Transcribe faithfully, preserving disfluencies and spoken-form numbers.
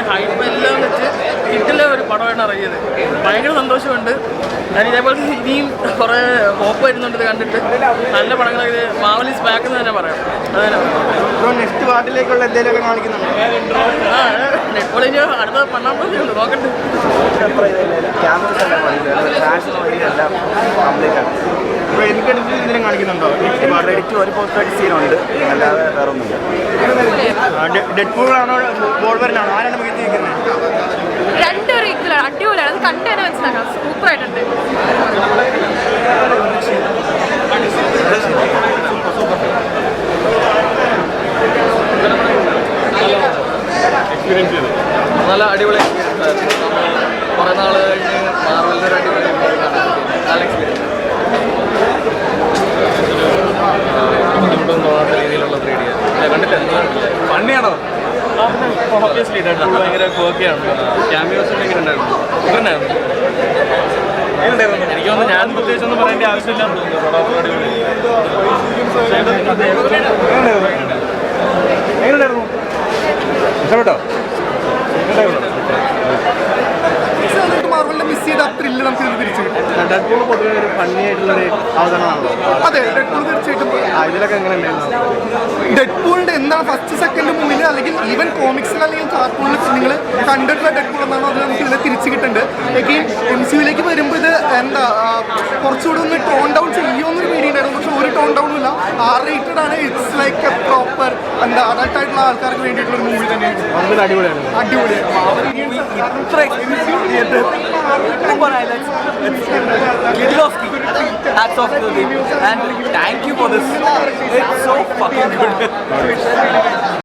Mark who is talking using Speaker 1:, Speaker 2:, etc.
Speaker 1: അതിന് ഹൈപ്പ് എല്ലാം വെച്ച് കിട്ടില്ല ഒരു പടമായിട്ട് ഇറങ്ങിയത്. ഭയങ്കര സന്തോഷമുണ്ട്. ഞാൻ ഇതേപോലെ ഇനിയും കുറേ ഹോപ്പ് വരുന്നുണ്ട് ഇത് കണ്ടിട്ട്. നല്ല പടങ്ങളൊക്കെ മാവലിസ് ബാക്ക് എന്ന് തന്നെ പറയാം. അതന്നെ
Speaker 2: നെക്സ്റ്റ് പാർട്ടിലേക്കുള്ള എന്തെങ്കിലുമൊക്കെ കാണിക്കുന്നുണ്ടോ?
Speaker 1: ആ ഇപ്പോൾ ഇനി അടുത്ത പണ്ണാൻ പോകുന്നുണ്ട്, നോക്കട്ടെ.
Speaker 2: ഇപ്പോൾ എനിക്കെടുത്ത് എന്തെങ്കിലും കാണിക്കുന്നുണ്ടോ?
Speaker 3: എഡിറ്റ് ഒരു പോസ്റ്റ് സീനുണ്ട്, അല്ലാതെ വേറെ ഒന്നുമില്ല.
Speaker 2: ഡെഡ് പൂളാണോ ബോൾവറിനാണോ ആരാണ് മികത്തി നിൽക്കുന്നത്?
Speaker 4: രണ്ടൊരു ഈക്വലാണ്, അടിപൊളിയാണ്. അത് കണ്ടു തന്നെ മനസ്സിലാക്കാം, സൂപ്പറായിട്ടുണ്ട്.
Speaker 1: എക്സ്പീരിയൻസ് ചെയ്തു നല്ല അടിപൊളി എക്സ്പീരിയൻസ് ആയിരുന്നു. കുറേ നാൾ കഴിഞ്ഞ് മാർവലിൻ്റെ ഒരു അടിപൊളി നല്ല എക്സ്പീരിയൻസ്. ബുദ്ധിമുട്ടൊന്നും തോന്നാത്ത രീതിയിലുള്ള ത്രീ ഡി കണ്ടില്ല. ഫണ്ണിയാണോ? ഓബ്വിയസ്ലി ഡെഡ് പൂൾ ഭയങ്കര കോക്കിയാണ്. ക്യാമിയോസ് ഭയങ്കര ഉണ്ടായിരുന്നു. ഇതുണ്ടായിരുന്നു എനിക്ക് തോന്നുന്നു. ഞാൻ പ്രത്യേകിച്ച് ഒന്നും പറയേണ്ട ആവശ്യമില്ല.
Speaker 2: എങ്ങനെയുണ്ടായിരുന്നു? ഇഷ്ടപ്പെട്ടോ? മാർവലിനെ മിസ് ചെയ്ത ത്രില്ല് നമുക്ക് ഇത് തിരിച്ചു കിട്ടും. ഡെഡ് പൂൾ പൊതുവെ ഒരു ഫണ്ണി ആയിട്ടുള്ളൊരു അവതരണമാണല്ലോ. അതെ, ഡെഡ് പൂൾ തീർച്ചയായിട്ടും. ഇതിലൊക്കെ എങ്ങനെ ഉണ്ടായിരുന്നു? ഡെഡ് പൂളിന്റെ എന്താണ് ഫസ്റ്റ് സെക്കൻഡ് മൂവിൽ അല്ലെങ്കിൽ ഈവൻ കോമിക്സിൽ അല്ലെങ്കിൽ കാർട്ടൂണിൽ നിങ്ങൾ കണ്ടിട്ടുള്ള ഡെഡ് പൂൾ എന്നാണോ അത് നമുക്ക് ഇതിനെ തിരിച്ചു കിട്ടുന്നുണ്ട്. എഗെയിൻ എം സി യുയിലേക്ക് വരുമ്പോൾ ഇത് എന്താ കുറച്ചുകൂടെ ഒന്ന് ടോൺ ഡൗൺ ചെയ്യുമെന്നൊരു പേടി ഉണ്ടായിരുന്നു. പക്ഷെ ഒരു ടോൺ ഡൗണും ഇല്ല. ആർ റേറ്റഡ് ആണ്. ഇറ്റ്സ് ലൈക്ക് എ പ്രോപ്പർ എന്താ അഡൾട്ട് ആയിട്ടുള്ള ആൾക്കാർക്ക് വേണ്ടിയിട്ടുള്ള ഒരു മൂവി തന്നെയാണ്. അടിപൊളിയാണ്, അടിപൊളിയാണ്.
Speaker 3: Super highlights. It's Kieslowski. Hats off to him. And thank you for this. It's so fucking good.